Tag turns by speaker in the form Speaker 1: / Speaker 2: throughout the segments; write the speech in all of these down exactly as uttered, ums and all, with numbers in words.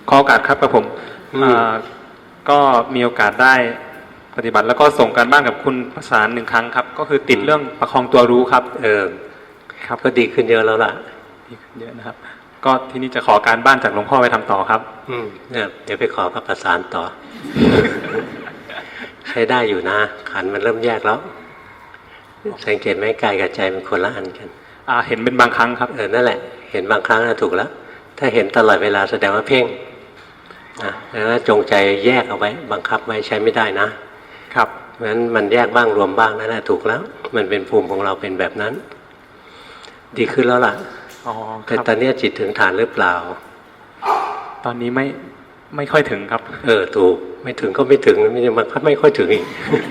Speaker 1: ขอโอกาสครับกับผมก็มีโอกาสได้ปฏิบัติแล้วก็ส่งการบ้านกับคุณประสานหนึ่งครั้งครับก็คือติดเรื่องประคองตัวรู้ครับ
Speaker 2: เออครับก็ดีขึ้นเยอะแล้วล่ะ
Speaker 1: ดีขึ้นเยอะนะครับก็ทีนี้จะขอการบ้านจากหลวงพ่อไปทำต่อครับ
Speaker 2: อืมเนี่ยเดี๋ยวไปขอกับประสานต่อ ใช้ได้อยู่นะขันมันเริ่มแยกแล้วสังเกตไหมกายกับใจมันคนละอันกัน
Speaker 1: อ่าเห็นเป็นบางครั้งครับ
Speaker 2: เออนั่นแหละเห็นบางครั้งน่ะถูกแล้วถ้าเห็นตลอดเวลาแสดงว่าเพ่งนะแล้วจงใจแยกเอาไว้บังคับไว้ใช้ไม่ได้นะครับเพราะฉะนั้นมันแยกบ้างรวมบ้างนั่นแหละถูกแล้วมันเป็นภูมิของเราเป็นแบบนั้นดีขึ้นแล้วล่ะ
Speaker 1: อ๋อ
Speaker 2: แต่ตอนนี้จิตถึงฐานหรือเปล่า
Speaker 1: ตอนนี้ไม่ไม่ค่อยถึงครับ
Speaker 2: เออถูกไม่ถึงก็ไม่ถึงไม่มันก็ไม่ค่อยถึงอีก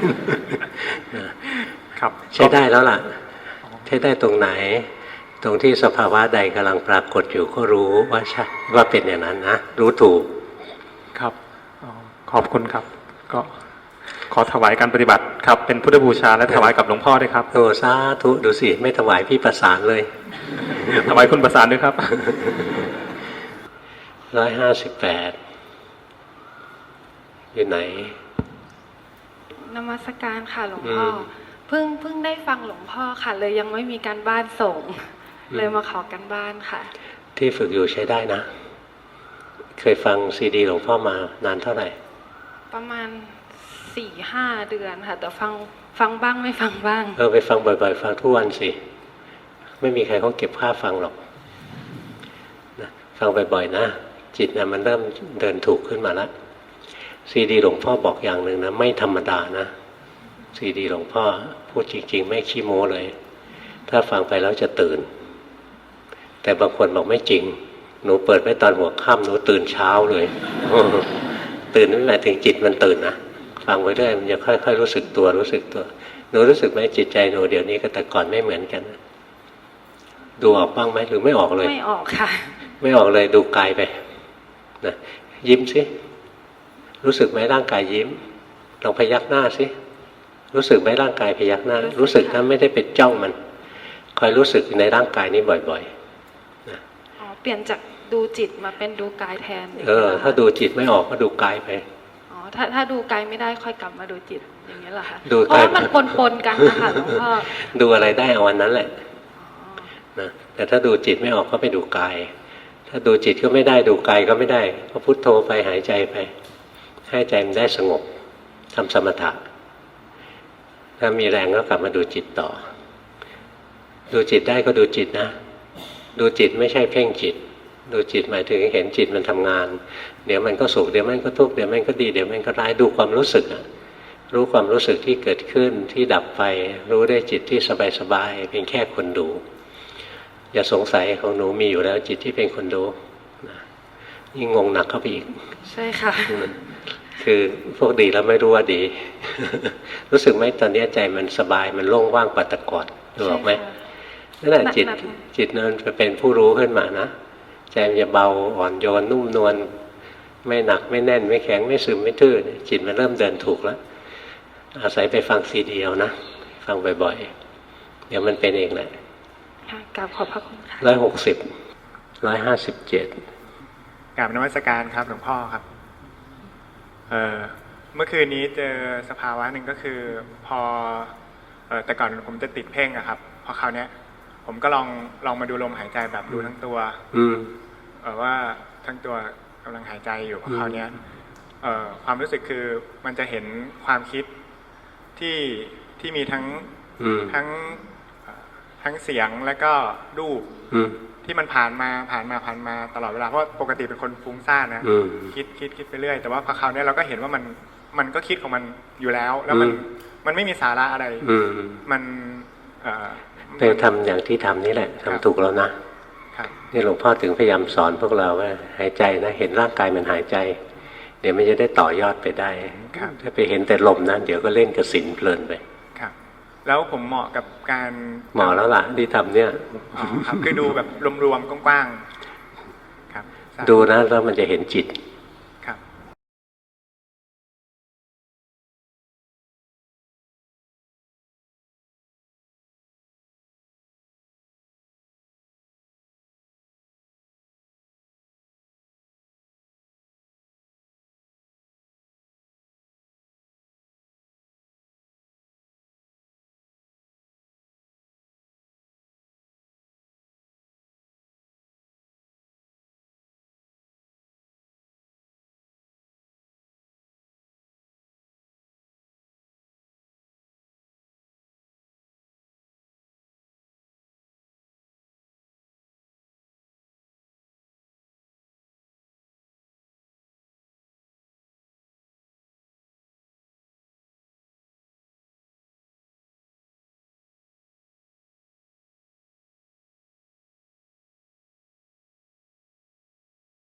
Speaker 1: ครับ
Speaker 2: ใช้ได้แล้วล่ะใช้ได้ตรงไหนตรงที่สภาวะใดกำลังปรากฏอยู่ก็รู้ว่าใช่ว่าเป็นอย่างนั้นนะรู้ถูก
Speaker 1: ครับขอบคุณครับก็ขอถวายการปฏิบัติครับเป็นพุทธบูชาและถวายกับหลวงพ่อด้วยครับ
Speaker 2: โอ้สาธุดูสิไม่ถวายพี่ประสานเลย
Speaker 1: ถวายคุณประสานด้วยครับ
Speaker 2: ร้อยห้าสิบแปดอยู่ไหน
Speaker 3: นมัสการค่ะหลวงพ่อเพิ่งเพิ่งได้ฟังหลวงพ่อค่ะเลยยังไม่มีการบ้านส่งเลยมาขอการบ้านค่ะ
Speaker 2: ที่ฝึกอยู่ใช้ได้นะเคยฟังซีดีหลวงพ่อมานานเท่าไหร่
Speaker 3: ประมาณสี่ห้าเดือนค่ะแต่ฟังฟังบ้างไม่ฟังบ้าง
Speaker 2: เออไปฟังบ่อยๆฟังทุกวันสิไม่มีใครเขาเก็บค่าฟังหรอกนะฟังบ่อยๆนะจิตนะมันเริ่มเดินถูกขึ้นมาแล้วซีดีหลวงพ่อบอกอย่างหนึ่งนะไม่ธรรมดานะซีดีหลวงพ่อพูดจริงๆไม่ขี้โม้เลยถ้าฟังไปแล้วจะตื่นแต่บางคนบอกไม่จริงหนูเปิดไว้ตอนหัวค่ำหนูตื่นเช้าเลยตื่นไม่หมายถึงจิตมันตื่นนะฟังไปเรื่อยมันจะค่อยๆรู้สึกตัวรู้สึกตัวหนูรู้สึกไหมจิตใจหนูเดี๋ยวนี้กับแต่ก่อนไม่เหมือนกันดูออกบ้างไหมหรือไม่ออกเลย
Speaker 3: ไม่ออกค่ะ
Speaker 2: ไม่ออกเลยดูกายไปนะยิ้มสิรู้สึกไหมร่างกายยิ้มลองพยักหน้าสิรู้สึกไหมร่างกายพยักหน้ารู้สึกนะไม่ได้ไปจ้องมันคอยรู้สึกในร่างกายนี้บ่อยๆนะ
Speaker 3: อ๋อเปลี่ยนจากดูจิตมาเป็นดูกายแทน
Speaker 2: เออถ้าดูจิตไม่ออกก็ดูกายไป
Speaker 3: อ๋อถ้าถ้าดูกายไม่ได้ค่อยกลับมาดูจิตอย่างนี้เหรอคะ
Speaker 2: เพ
Speaker 3: ราะว่ามันปนๆกันนะคะหลวงพ่อ
Speaker 2: ดูอะไรได้เอาวันนั้นแหละนะแต่ถ้าดูจิตไม่ออกก็ไปดูกายถ้าดูจิตก็ไม่ได้ดูกายก็ไม่ได้ก็พุทโธไปหายใจไปให้ใจมันได้สงบทำสมถะถ้ามีแรงก็กลับมาดูจิตต่อดูจิตได้ก็ดูจิตนะดูจิตไม่ใช่เพ่งจิตดูจิตหมายถึงเห็นจิตมันทำงานเดี๋ยวมันก็สุขเดี๋ยวมันก็ทุกข์เดี๋ยวมันก็ดีเดี๋ยวมันก็ร้ายดูความรู้สึกนะรู้ความรู้สึกที่เกิดขึ้นที่ดับไปรู้ได้จิตที่สบายๆเป็นแค่คนดูอย่าสงสัยของหนูมีอยู่แล้วจิตที่เป็นคนดูยิ่งงงหนักเข้าไปอีก
Speaker 3: ใช่ค่ะ
Speaker 2: คือพวกดีแล้วไม่รู้ว่าดี รู้สึกไหมตอนนี้ใจมันสบายมันโล่งว่างปัตตะกอดรู้หรอไหมนั่นแหละจิตจิตนั้นจะเป็นผู้รู้ขึ้นมานะใจมันจะเบาอ่อนโยนนุ่มนวลไม่หนักไม่แน่นไม่แข็งไม่ซึมไม่ทื่อจิตมันเริ่มเดินถูกแล้วอาศัยไปฟังซีดีเอานะฟังบ่อยๆเดี๋ยวมันเป็นเองแหละ
Speaker 3: กราบขอบพระคุณค่ะ
Speaker 2: ร้อยหกสิบร้อยห้าสิบเจ็ด
Speaker 1: กราบนมัสการครับหลวงพ่อครับเอ่อเมื่อคืนนี้เจอสภาวะหนึ่งก็คือพอเอ่อแต่ก่อนผมจะติดเพ่งอะครับพอคราวนี้ผมก็ลองลองมาดูลมหายใจแบบดูทั้งตัวเอ่อว่าทั้งตัวกำลังหายใจอยู่พอคราวนี้เอ่อความรู้สึกคือมันจะเห็นความคิดที่ที่มีทั้งทั้งทั้งเสียงแล้วก็รูปที่มันผ่านมาผ่านมาผ่านมาตลอดเวลาเพราะปกติเป็นคนฟุ้งซ่านนะคิดคิดคิดไปเรื่อยแต่ว่าพอคราวนี้เราก็เห็นว่ามันมันก็คิดของมันอยู่แล้วแล้วมันมันไม่มีสาระอะไรมัน
Speaker 2: ไปทำอย่างที่ทำนี่แหละทำถูกแล้วนะนี่หลวงพ่อถึงพยายามสอนพวกเราว่าหายใจนะเห็นร่างกายมันหายใจเดี๋ยวมันจะได้ต่อยอดไปได้ถ้าไปเห็นแต่ลมนะเดี๋ยวก็เล่นกสิณเพลินไป
Speaker 1: แล้วผมเหมาะกับการ
Speaker 2: เหมาะแล้วล่ะที่ทำเนี่ย
Speaker 1: อ๋อครับคือดูแบบรวมๆกว้างๆครับ
Speaker 2: ดูนะแล้วมันจะเห็นจิต